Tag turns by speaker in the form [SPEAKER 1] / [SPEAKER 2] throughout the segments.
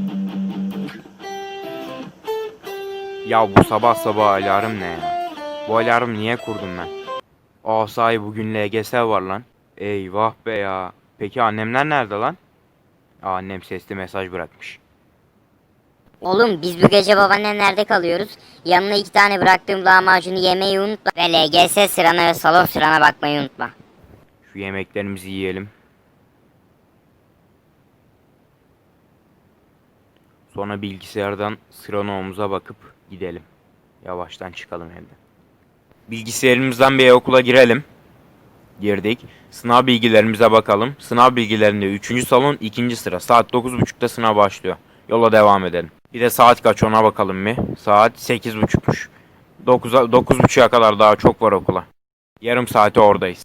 [SPEAKER 1] Ya bu sabah sabah alarm ne ya? Bu alarmı niye kurdum ben? Sahi bugün LGS var lan. Eyvah be ya. Peki annemler nerede lan? Annem sesli mesaj bırakmış.
[SPEAKER 2] Oğlum biz bu gece babaannemlerde kalıyoruz. Yanına 2 tane bıraktığım lahmacunu yemeyi unutma. Ve LGS sırana ve salon sırana bakmayı unutma.
[SPEAKER 1] Şu yemeklerimizi yiyelim. Sonra bilgisayardan sıranomumuza bakıp gidelim. Yavaştan çıkalım evden. Bilgisayarımızdan bir okula girelim. Girdik. Sınav bilgilerimize bakalım. Sınav bilgilerinde 3. salon 2. sıra. Saat 9.30'da sınav başlıyor. Yola devam edelim. Bir de saat kaç ona bakalım mı? Saat 8.30'muş. 9.30'a kadar daha çok var okula. Yarım saate oradayız.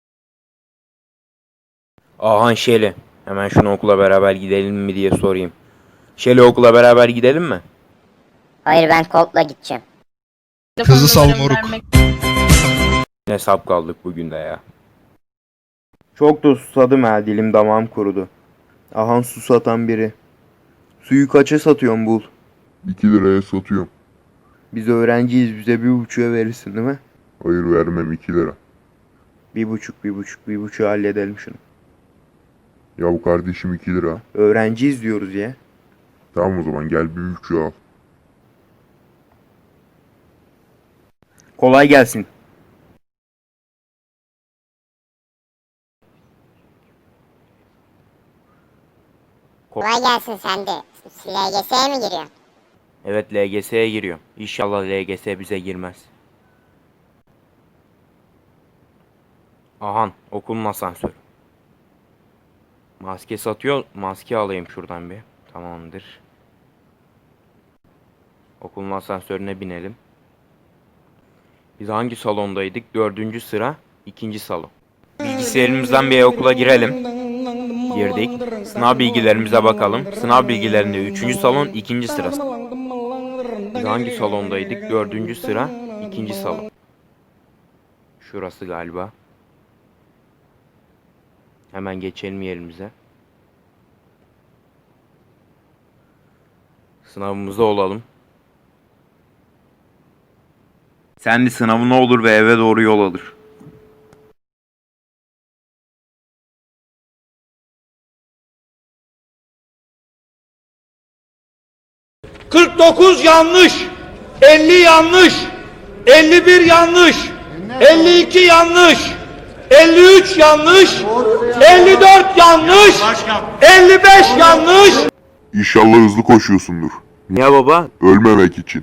[SPEAKER 1] Şeli. Hemen şunu okula beraber gidelim mi diye sorayım. Şeli okula beraber gidelim mi?
[SPEAKER 2] Hayır ben Colt'la gideceğim.
[SPEAKER 3] Kızı sal moruk.
[SPEAKER 1] Ne sap kaldık bugün de ya. Çok da susadım ha, dilim damağım kurudu. Su satan biri. Suyu kaça satıyorsun bul?
[SPEAKER 4] 2 liraya satıyorum.
[SPEAKER 1] Biz öğrenciyiz, bize 1,5'a verirsin değil mi?
[SPEAKER 4] Hayır vermem, 2 lira.
[SPEAKER 1] 1,5 halledelim şunu.
[SPEAKER 4] Ya kardeşim 2 lira.
[SPEAKER 1] Öğrenciyiz diyoruz ya.
[SPEAKER 4] Tamam o zaman gel 1,5 al.
[SPEAKER 1] Kolay gelsin.
[SPEAKER 2] Kolay gelsin sen de. LGS'ye mi giriyorsun?
[SPEAKER 1] Evet, LGS'ye giriyor. İnşallah LGS bize girmez. Okulun asansörü. Maske satıyor. Maske alayım şuradan bir. Tamamdır. Okulun asansörüne binelim. Biz hangi salondaydık? 4. sıra 2. salon. Bilgisayarımızdan bir okula girelim. Girdik. Sınav bilgilerimize bakalım. Sınav bilgilerinde 3. salon 2. sıra. Biz hangi salondaydık? 4. sıra 2. salon. Şurası galiba. Hemen geçelim yerimize. Sınavımızda olalım. Sen de sınavın olur ve eve doğru yol alır.
[SPEAKER 5] ...49 yanlış, 50 yanlış, 51 yanlış, 52 yanlış, 53 yanlış, 54 yanlış, 55 yanlış.
[SPEAKER 4] İnşallah hızlı koşuyorsundur.
[SPEAKER 1] Niye baba?
[SPEAKER 4] Ölmemek için.